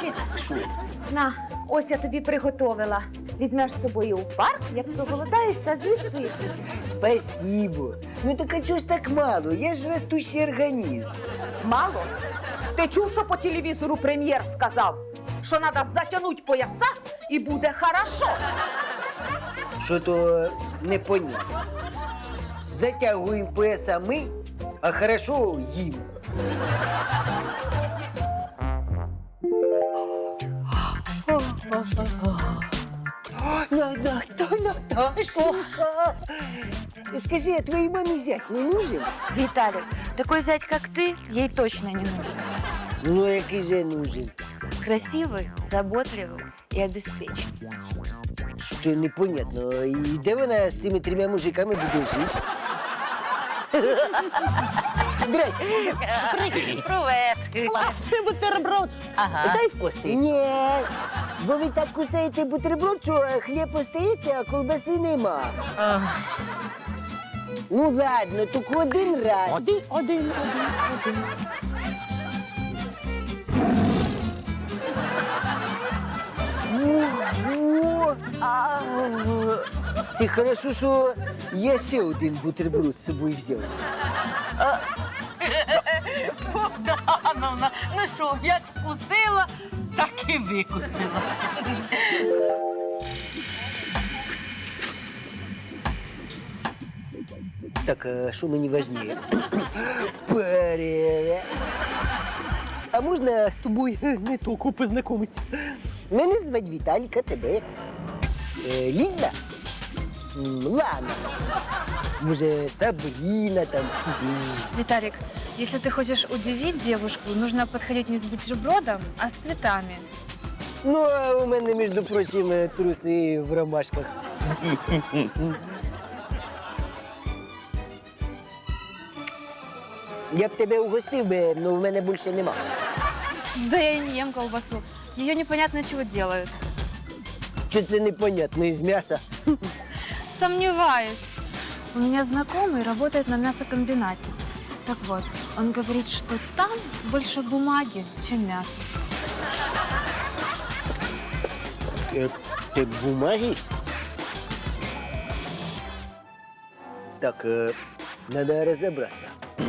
Вовчик, на, ось я тобі приготовила. Візьмеш з собою у парк, як проголодаєшся, з'їси. Спасибо. Ну так а чого ж так мало? Я ж растущий організм. Мало? Ти чув, що по телевізору прем'єр сказав? Що треба затягнути пояса і буде хорошо. Що то непонятно. Затягуємо пояса ми, а хорошо їм. Наташенька! Скажи, а твоей маме зять не нужен? Виталик, такой зять, как ты, ей точно не нужен. Ну, який же нужен? Красивый, заботливый и обеспеченный. Що непонятно. І де вона з цими 3 мужиками буде жити? Здрасте. Привіт. Класний бутерброд. Ага. Дай вкуси. Ні, бо ви так кусаєте бутерброд, що хліб остається, а колбаси нема. Ну ладно, тільки один раз. Один. Ого! Це хорошо, що я ще один бутерброд з собою взяв. Богдановна, ну що, як вкусила, так і викусила. Так, а що мені важніше? Привет. А можна з тобою не тільки познайомитися? Мене звати Віталік, а тебе? Лінда? Лана. Може, Сабріна там. Виталик, если ты хочешь удивить девушку, нужно подходить не с бутербродом, а с цветами. Ну, а у мене, між прочим, труси в ромашках. Я б тебе угостив би, але в мене більше нема. Да я и не ем колбасу. Ее непонятно чего делают. Що це непонятно, із м'яса? Сомневаюсь. У меня знакомый работает на мясокомбинате. Так вот, он говорит, что там больше бумаги, чем мяса. Ти бумаги? Так, надо розібратися.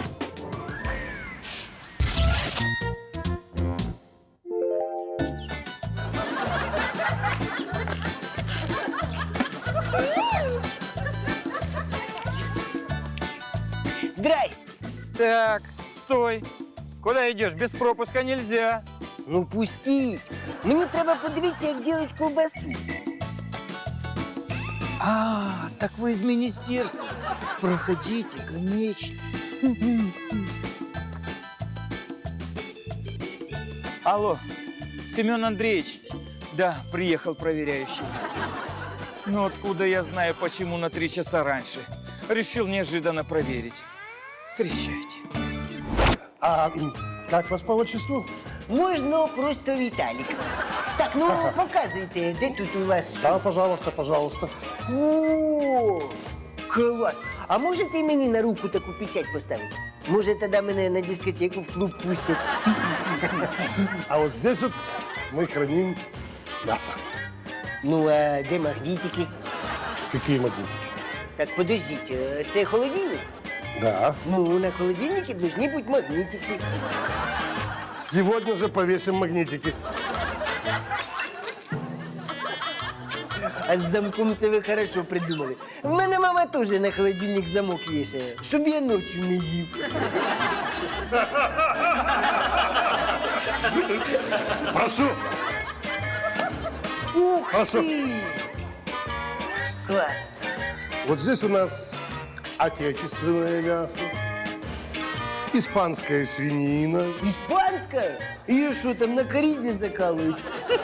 Здрасте. Так, стой. Куда идешь? Без пропуска нельзя. Ну пустіть. Мені треба подивитися, як делать колбасу. А, так вы из министерства. Проходите, конечно. Алло, Семен Андреевич. Да, приехал проверяющий. Ну откуда я знаю, почему на 3 часа раньше? Решил неожиданно проверить. Встречайте. А как вас по отчеству? Можна просто Віталік. Так, ну показуйте, де тут у вас що? Да, пожалуйста, пожалуйста. О, клас. А можете мені на руку таку печать поставити? Може, тоді мене на дискотеку в клуб пустять? А вот здесь вот мы храним мясо. Ну, а де магнітики? Какие магнитики? Так, подождіть, це холодильник? Да. Ну, на холодильнике должны быть магнитики. Сегодня же повесим магнитики. А з замком це ви хорошо придумали. В мене мама теж на холодильник замок вішає, щоб я ночі не їв. Прошу. Ух Хорошо. ти! Клас. Вот здесь у нас отечественное мясо, испанская свинина. Іспанська? Її що там на коріді закалують?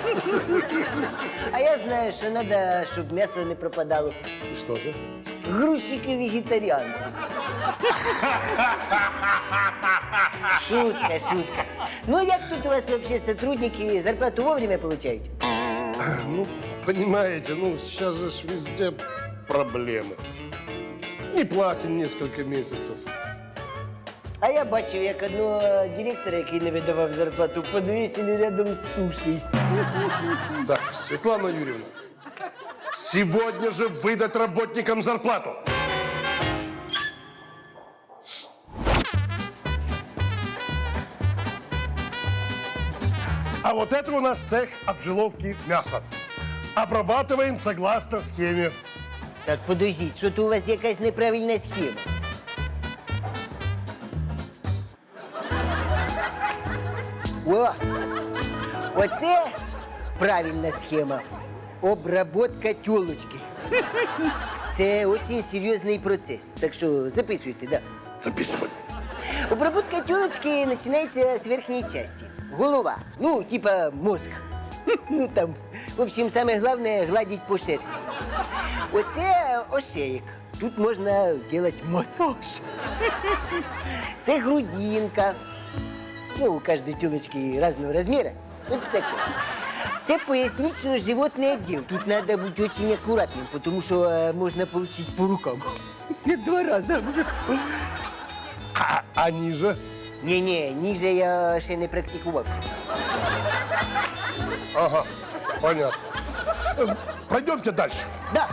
А я знаю, що треба, щоб м'ясо не пропадало. И что же? Грузчики-вегетаріанці. Шутка, шутка. Ну, як тут у вас вообще сотрудники зарплату вовремя получають? Ну, понимаете, ну сейчас же ж везде проблемы. Не платим несколько месяцев. А я бачив, як одного директора, який не видавав зарплату, подвісили рядом з тушей. Так, Светлана Юрьевна, сегодня же выдать работникам зарплату. А вот это у нас цех обжиловки мяса. Обрабатываем согласно схеме. Так, подождіть, що то у вас якась неправильна схема. О! Оце правильна схема. Обработка тілочки. Це дуже серйозний процес. Так що записуйте, да. Записывай. Обработка тілочки починається з верхньої частини. Голова. Ну, типа мозг. Ну там, в общем, саме головне гладить по шерсті. Оце ошеєк. Тут можна робити масаж. Це грудинка. Ну, у кожної тілочки різного розміру. От таке. Це пояснично-животний відділ. Тут треба бути дуже акуратним, тому що можна отримати по рукам. 2 рази. А ниже? Ні, ніже я ще не практикувався. Ага, понятно. Пройдемте дальше. Да.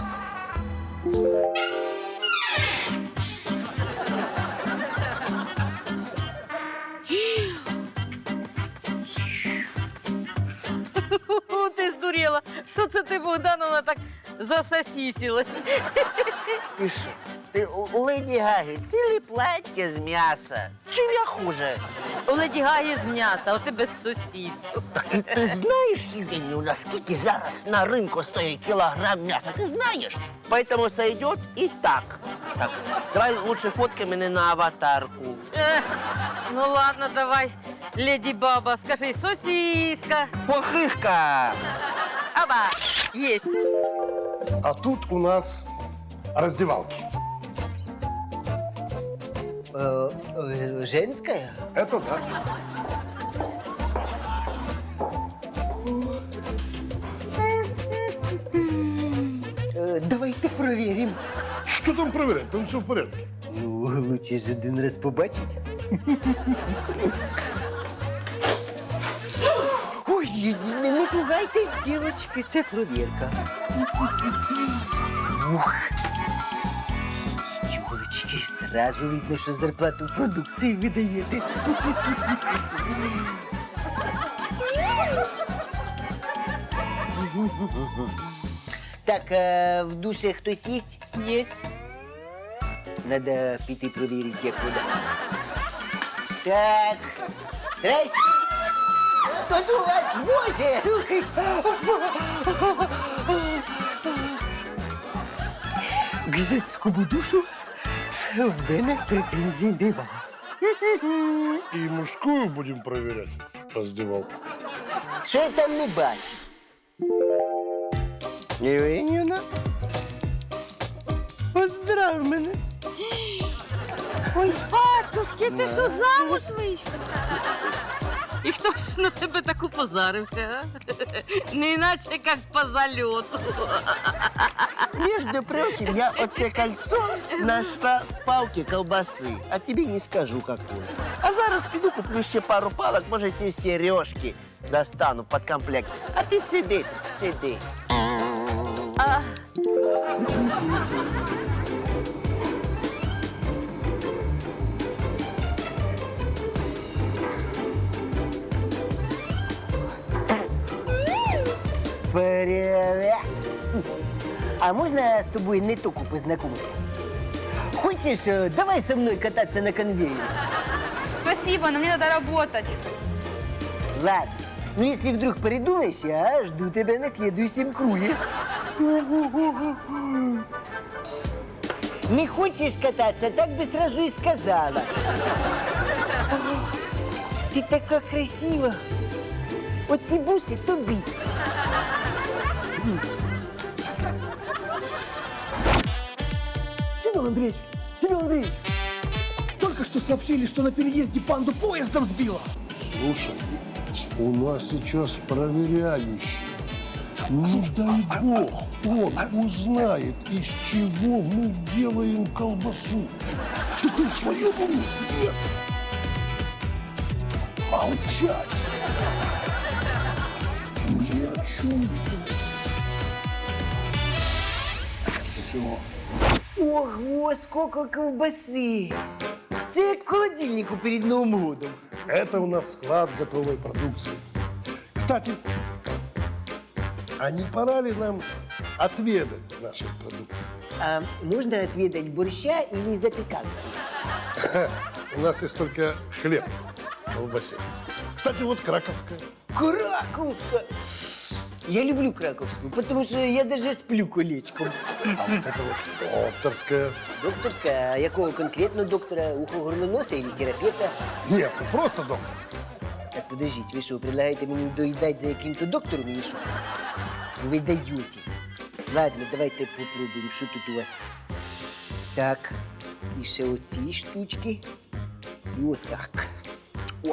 Ти здуріла. Що це ти, Богдановна, так засосісілась? Ти що? Ти у Леді Гаги ціле плаття з м'яса. Чим я хуже? У Леді Гагі з м'яса, у тебе з сосісу. Ти знаєш, Євгенію, наскільки зараз на ринку стоїть кілограм м'яса? Ти знаєш? Поэтому сойдет і так. Так, давай лучше фоткай мене на аватарку. Ну ладно, давай, Леді Баба, скажи, сосіска. Похишка! Аба, єсть. А тут у нас раздевалки. Женская? Это да. Давайте проверим. Что там проверять? Там все в порядке. Ну, лучше ж один раз побачить. Ой, не пугайтесь, дівчатки, це провірка. Ух. Тюлечки, сразу видно, що зарплату продукції видаєте. Так, а в душі хтось є? Єсть. Надо піти провірити, як вода. Так. Здрасте. Тут у вас боже. К жицькому душу в мене претензій нема. И мужскую будем проверять раздевалку. Що я там не бачив? Євгенівна? Поздрав мене. Ой, батюшки, ти що, замуж вийшов? І хто ж на тебе так упозарився, а? Не іначе, як по зальоту. Между прочим, я оце кольцо нашла в палке колбасы. А тебе не скажу, какую. А зараз піду куплю ще пару палок, може, ці сережки достану под комплект. А ти сиди, сиди. Привет! А можно с тобой не только познакомиться? Хочешь, давай со мной кататься на конвейере? Спасибо, но мне надо работать. Ладно. Ну, если вдруг передумаешь, я жду тебя на следующем круге. Не хочешь кататься, так бы сразу и сказала. Ты такая красива. Вот ці буси тобі. Семен Андреевич, только что сообщили, что на переезде панду поездом сбило. Слушай, у нас сейчас проверяющий. Не дай бог, он узнает, из чего мы делаем колбасу. Ты хоть в своем уме? Нет. Молчать. Ни о чем здесь. Все. Ого, сколько ковбаси! Це як в холодильнику перед Новым годом. Это у нас склад готовой продукции. Кстати, а не пора ли нам отведать нашей продукции? А можно отведать борща или запеканку? У нас есть только хлеб в колбасе. Кстати, вот краковская. Краковская! Я люблю краковскую, потому что я даже сплю колечком. А вот это вот докторская. Докторская? А якого конкретно доктора? Ухо-горноноса или терапевта? Нет, ну просто докторская. Так, подождите, вы что, предлагаете мне доедать за каким-то доктором или что? Вы даете. Ладно, давайте попробуем, что тут у вас. Так, і ще оці штучки. І отак. О!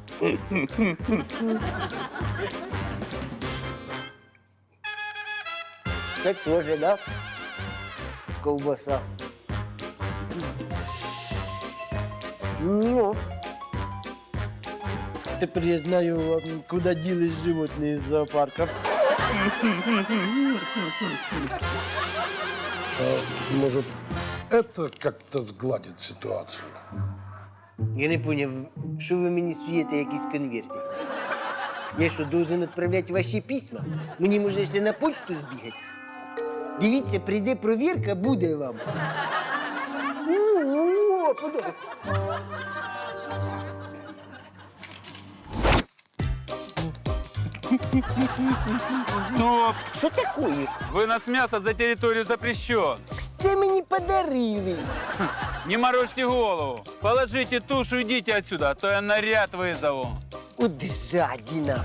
Це теж, да? Ковбаса. Ну. Тепер я знаю, куди ділись животні з зоопарка. Может, это как-то сгладит ситуацию? Я не поняв, що ви мені суєте якісь конверти? Я що, должен відправляти ваші письма? Мені може ще на почту збігати? Дивіться, прийде провірка, буде вам. О, подобається. Стоп! Що таке? Вынос мяса за территорию запрещен. Це мені подарили. Не морочьте голову. Положите тушу, идите отсюда, а то я наряд вызову. От жадіна.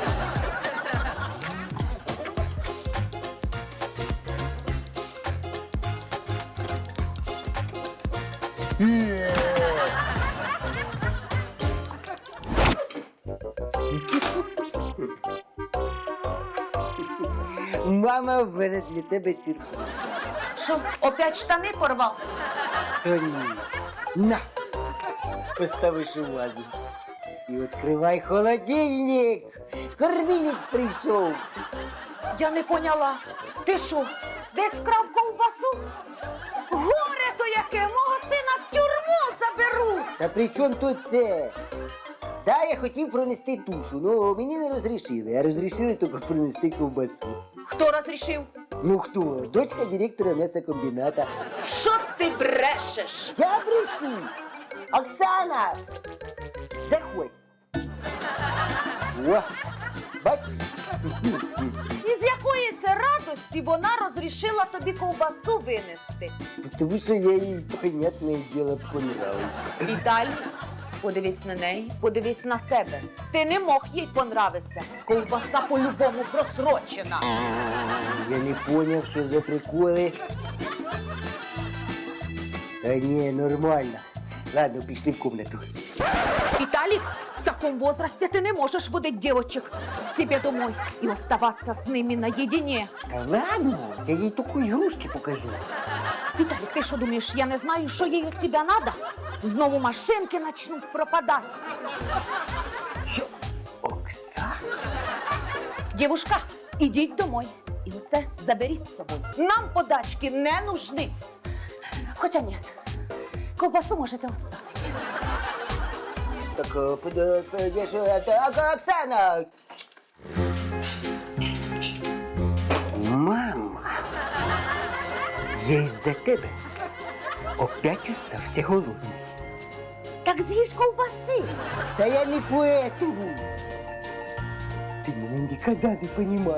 Мама, в мене для тебе сюрприз. Що, опять штани порвав? Та ні. На! Поставиш у вазу. І відкривай холодильник. Кормілець прийшов. Я не поняла. Ти що, десь вкрав ковбасу? Горе то яке! Мого сина в тюрму заберуть! Та при чому тут це? Да, я хотів пронести тушу, але мені не розрішили, а розрішили тільки пронести ковбасу. Хто розрішив? Ну хто? Дочка директора м'ясокомбіната. Що ти брешеш? Я брешу! Оксана! Заходь! О, бачиш? І з якої це радості вона розрішила тобі ковбасу винести? Тому що я їй, понятне діло, понравився. Віталій, подивись на неї, подивись на себе. Ти не мог їй понравитися. Ковбаса по-любому просрочена. Я не поняв, що за приколи. Та ні, нормально. Ладно, пішли в комнату. Виталик, в таком возрасте ты не можешь водить девочек к себе домой и оставаться с ними наедине. Та ладно, я їй таку ігрушки покажу. Виталик, ты что думаешь, я не знаю, что ей от тебя надо? Знову машинки начнут пропадать. Оксана? Девушка, идите домой. И оце заберіть з собою. Нам подачки не нужны. Хотя нет, ковбасу можете оставить. Так, Оксана! Мама, я із-за тебе опять остався голодний. Так з'їж ковбаси. Та я не поэтому. Ти мене ніколи не понімала.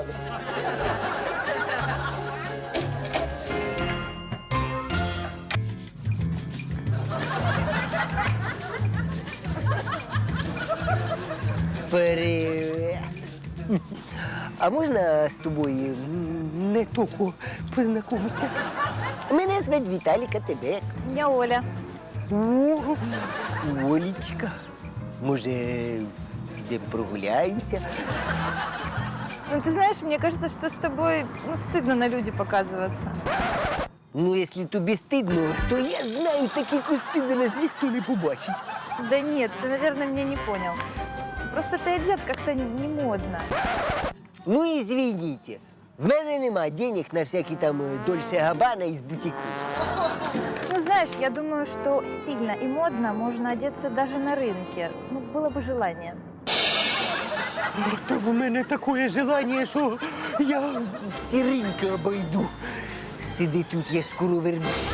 Привет. А можна з тобою не тільки познайомитися? Мене звуть Віталік, а тебе як? Я Оля. О, Олечка. Може, підемо прогуляємося? Ну, ты знаешь, мне кажется, что с тобой стыдно на люди показываться. Ну, якщо тобі стидно, то я знаю такі кусти, де нас ніхто не побачить. Да нет, ты, наверное, меня не понял. Просто ты одет как-то не модно. Ну, извините. В мене нема денег на всякі там Дольче Габбана из бутиков. Ну, знаешь, я думаю, что стильно и модно можно одеться даже на рынке. Ну, было бы желание. Та в мене таке желание, що я всі ринки обойду. Сиди тут, я скоро вернусь.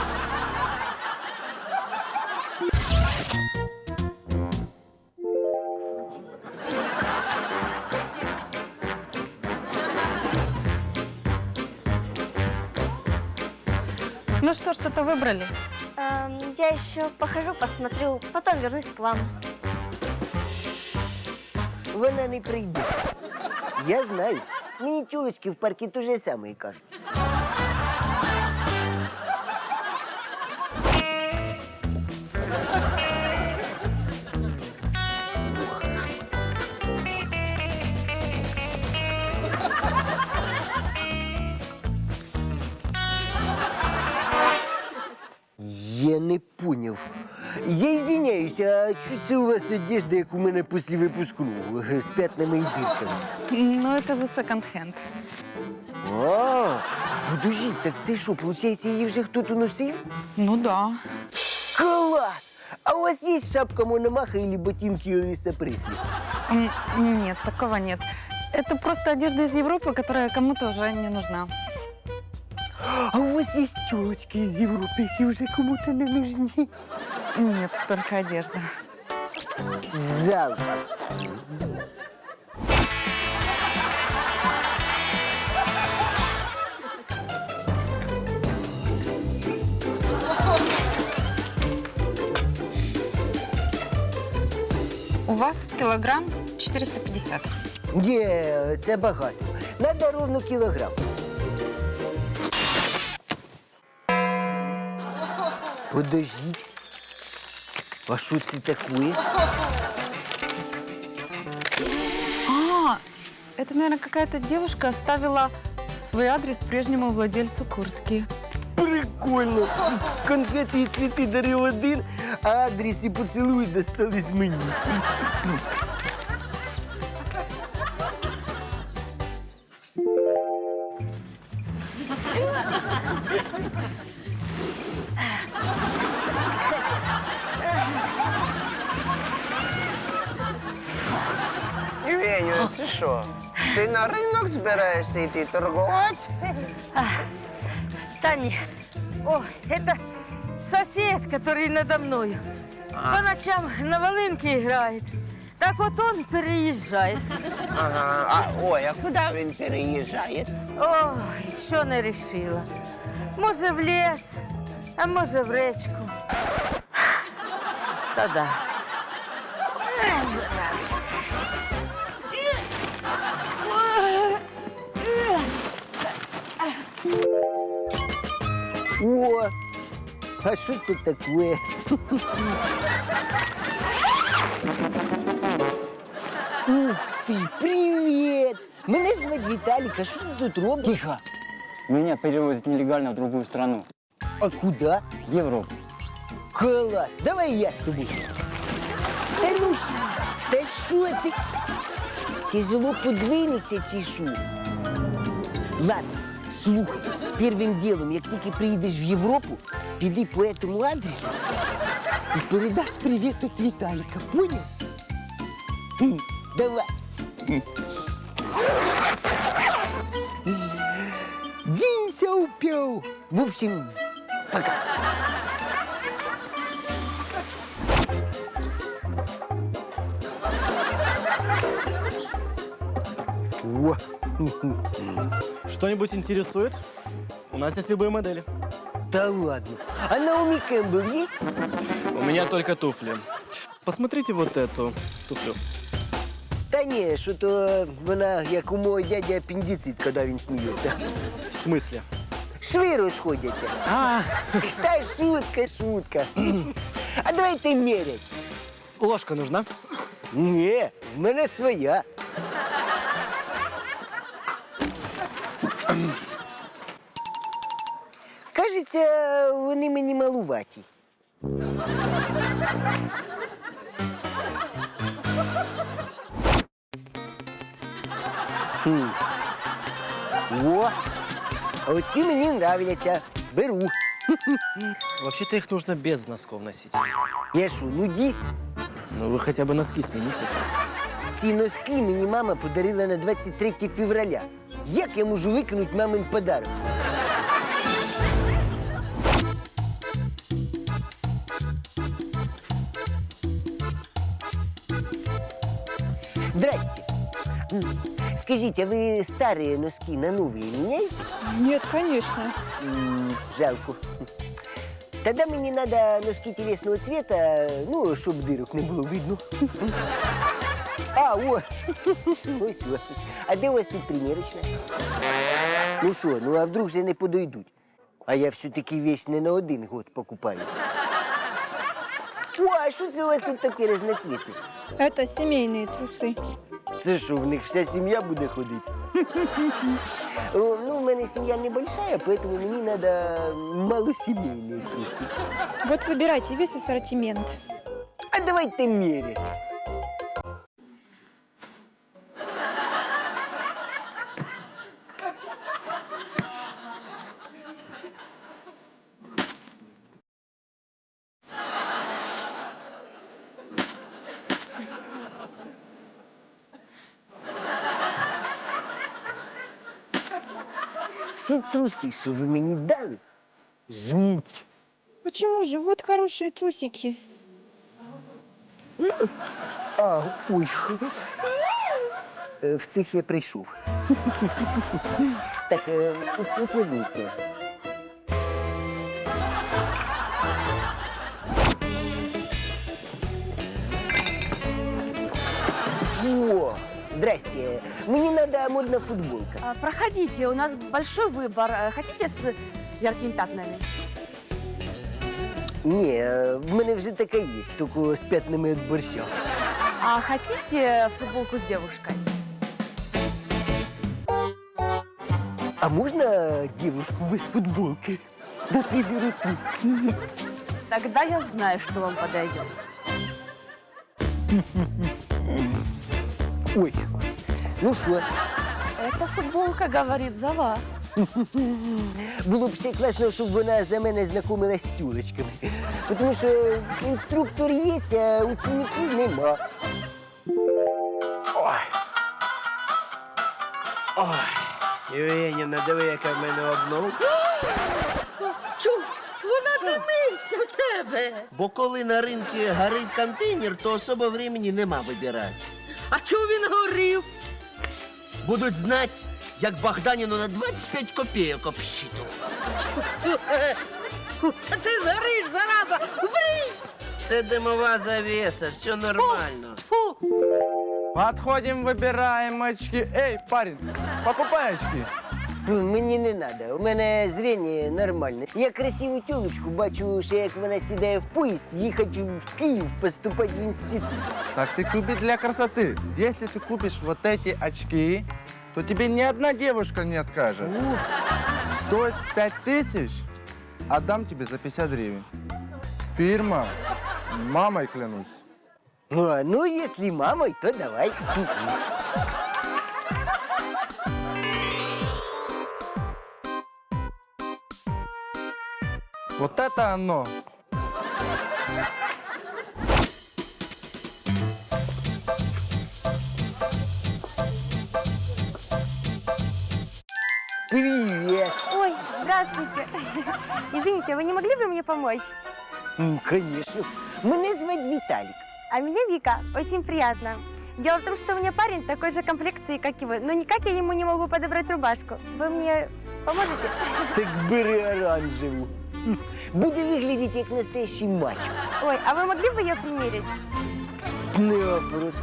Ну что, что-то выбрали? Я еще похожу, посмотрю, потом вернусь к вам. Вона не прийде. Я знаю. Мені тюлечки в парку те же саме кажуть. Я не поняв. Я извиняюсь, а що це у вас одежда, як у мене після випускного, з пятнами і дирками? Ну, это же секонд-хенд. А, подожди, так це що, виходить, її вже хтось носив? Ну да. Класс! А у вас есть шапка Мономаха или ботинки Элвиса Пресли? Нет, такого нет. Это просто одежда из Европы, которая кому-то уже не нужна. А у вас есть тёлочки из Европы, які вже кому-то не нужны? Нет, только одежда. Жалко. У вас килограмм 450. Ні, це багато. Надо ровно кілограм. Подождіть. А що це таке? А, это, наверное, какая-то девушка оставила свой адрес прежнему владельцу куртки. Прикольно. Конфети і цвіти дарив один, а адрес і поцілуй достались мені. Веню, ти що? Ти на ринок збираєшся йти торгувати? Та ні. О, это сосед, который надо мною. По ночам на волынке играет. Так вот он переезжает. Ага. Ой, а куди він переїжджає? Ой, що не решила. Може в ліс, а може в речку. Та да. О, а що це таке? Ух ти, привіт! Мене звати Віталік, а що ти тут робиш? Тихо! Меня перевозят нелегально в другую страну. А куди? В Европу. Клас, давай я з тобою. Та ну ж, та що ти? Тяжело подвинеться чи що? Ладно, слухай, первым делом, як тільки приїдеш в Європу, піди по этому адресу і передаш привіт від Віталіка, понял? Давай. Дінься упів. В общем, пока. О. Что-нибудь интересует? У нас есть любые модели. Да ладно. А Наоми Кэмпбелл есть? У меня только туфли. Посмотрите вот эту туфлю. Та ні, що-то вона, як у мого дяді апендицит, коли він сміється. В смысле? Шви розходяться. Та шутка, шутка. А давайте мірять. Ложка нужна? Ні, в мене своя. Кажеться, вони мені малуваті. О, а оці мені нравляться. Беру. Вообще-то их нужно без носков носить. Я що, нудіст? Ну, вы хотя бы носки смените. Ці носки мені мама подарила на 23 февраля. Як я можу викинути мамин подарок? Здрасте. Скажите, а вы старые носки на новые меняете? Нет, конечно. Жалко. Тогда мне надо носки телесного цвета, ну, щоб дырок не було видно. А, о! Ось о. А де у вас тут примірочна? Ну що, ну а вдруг же не подойдуть? А я все-таки вещь не на 1 год покупаю. О, а що це у вас тут таке разноцветне? Это семейные трусы. Це що, в них вся сім'я буде ходити? О, ну, в мене сім'я небольшая, поэтому мені надо малосемейные трусы. Вот выбирайте весь ассортимент. А давайте мерять. Всі труси, що ви мені дали, жмуть. Почему же? Вот хорошие трусики. А, ой. В цих я прийшов. Так, укладніться. О, здрасте. Мне надо модная футболка. Проходите, у нас большой выбор. Хотите с яркими пятнами? Ні, в мене вже така є, тільки з п'ятнами від борща. А хотите футболку с девушкой? А можна девушку без футболки? Например, тут. Тогда я знаю, что вам подойдет. Ой, ну що? Эта футболка говорит за вас. Було б ще класно, щоб вона за мене знайомилась з тюлечками. Тому що інструктор є, а учеників нема. Євгенівна, диви, яка в мене обновка. Чу, вона димиться в тебе. Бо коли на ринку горить контейнер, то особо времени нема вибирати. А чого він горів? Будуть знати, як Богданіну на 25 копійок обсчитував. Та ти згориш, зараза! Врій! Це димова завеса, все нормально. Фу! Подходим, выбираем очки. Эй, парень, покупай очки. Мені не треба, у мене зріння нормальне. Я красиву тюлечку бачу, ще як вона сідає в поїзд, їхати в Київ, поступати в інститут. Так ты купи для красоты. Если ты купишь вот эти очки, то тебе ни одна девушка не откажет. Стоит 5000, отдам тебе за 50 гривен. Фирма, мамой клянусь. Ну, если мамой, то давай. Вот это оно. Привет. Ой, здравствуйте. Извините, вы не могли бы мне помочь? Конечно. Мене звать Виталик. А меня Вика. Очень приятно. Дело в том, что у меня парень такой же комплекции, как и вы. Но никак я ему не могу подобрать рубашку. Вы мне поможете? Так бери оранжеву. Буде виглядати як настоящий мачо. Ой, а вы могли бы ее примерить? Не вопрос.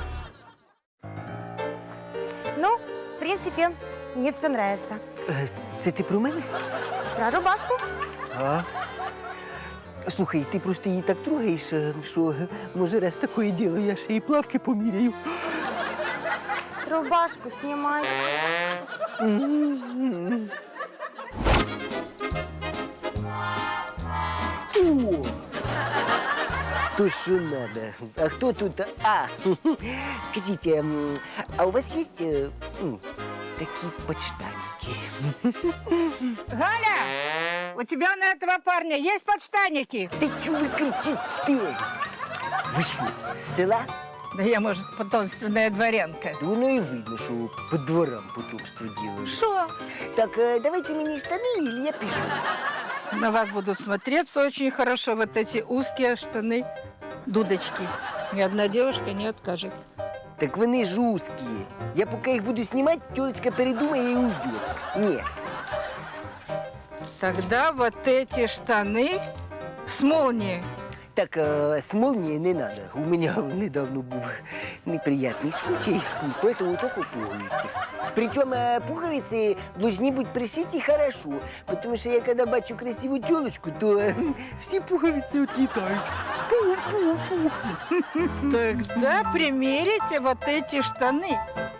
Ну, в принципе, мне все нравится. Це ти про мене? Про рубашку? А? Слухай, ти просто її так трогаєш, що може раз таке діло, я ще і плавки поміряю. Рубашку снимай. О! То, що надо. А хто тут? А, скажіть, а у вас є такие подштанники. Галя, у тебя на этого парня есть подштанники? Да чё вы кричите? Вы что, с села? Да я, может, потомственная дворянка. Да воно и видно, что по дворам потомство делают. Шо? Так, давайте мне штаны, или я пишу. На вас будут смотреться очень хорошо вот эти узкие штаны, дудочки. Ни одна девушка не откажет. Так вони ж узкие. Я пока их буду снимать, тёлочка передумает и уйдет. Нет. Тогда вот эти штаны с молнией. Так, с молнией не надо. У меня недавно был неприятный случай, поэтому только пуговицы. Причем пуговицы должны быть пришиты хорошо, потому что я когда бачу красивую тёлочку, то все пуговицы отлетают. Пу-пу-пу. Тогда примерите вот эти штаны.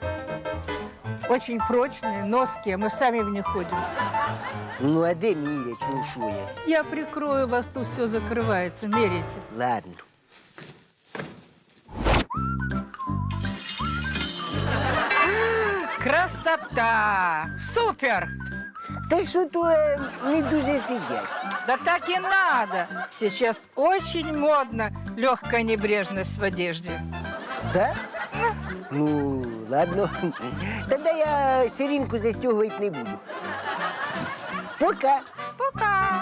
Очень прочные, ноские, мы сами в них ходим. Ну, а де мерять, ну шо я? Я прикрою вас, тут все закрывается, мерите. Ладно. Красота! Супер! Та що-то не дуже сидять. Да так и надо. Сейчас очень модно легкая небрежность в одежде. Да? Ну, ладно. Тогда я ширинку застегивать не буду. Пока. Пока.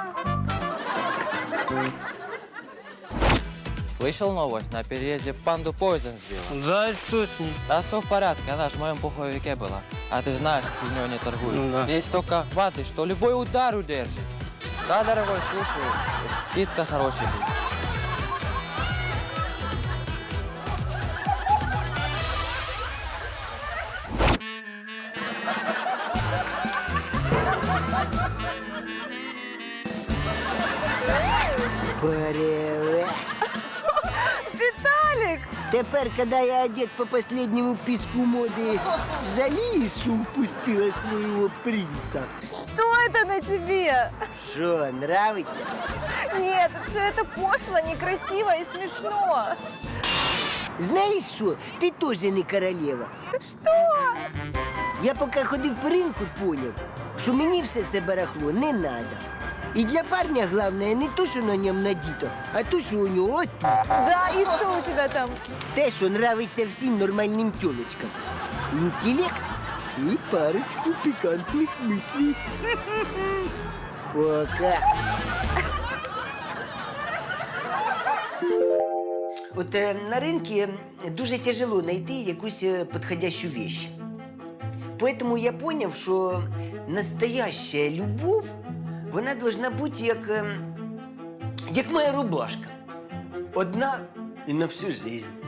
Слышал новость? На переезде панду поезд сбила. Да, что с ней? Да все в порядке, она же в моем пуховике была. А ты знаешь, фигнёй не торгуют. Ну да. Есть только ваты, что любой удар удержит. Да, дорогой, слушаю. Скидка хорошая будет. Привет. Виталик! Тепер, когда я одет по последнему писку моды, жалеешь, что упустила своего принца? Что это на тебе? Что, нравится? Нет, все это пошло, некрасиво и смешно. Знаешь что, ты тоже не королева. Что? Я поки ходив по ринку, поняв, що мені все це барахло не надо. І для парня головне не то, що на ньому надіто, а то, що у нього отут. Да, и что у тебя там? Те, що нравиться всім нормальним тёлочкам. Інтелект і парочку пікантних мислей. Пока. От на ринку дуже тяжело знайти якусь підходящу вещь. Поэтому я понял, что настоящая любовь, вона должна бути як моя рубашка. Одна і на всю жизнь.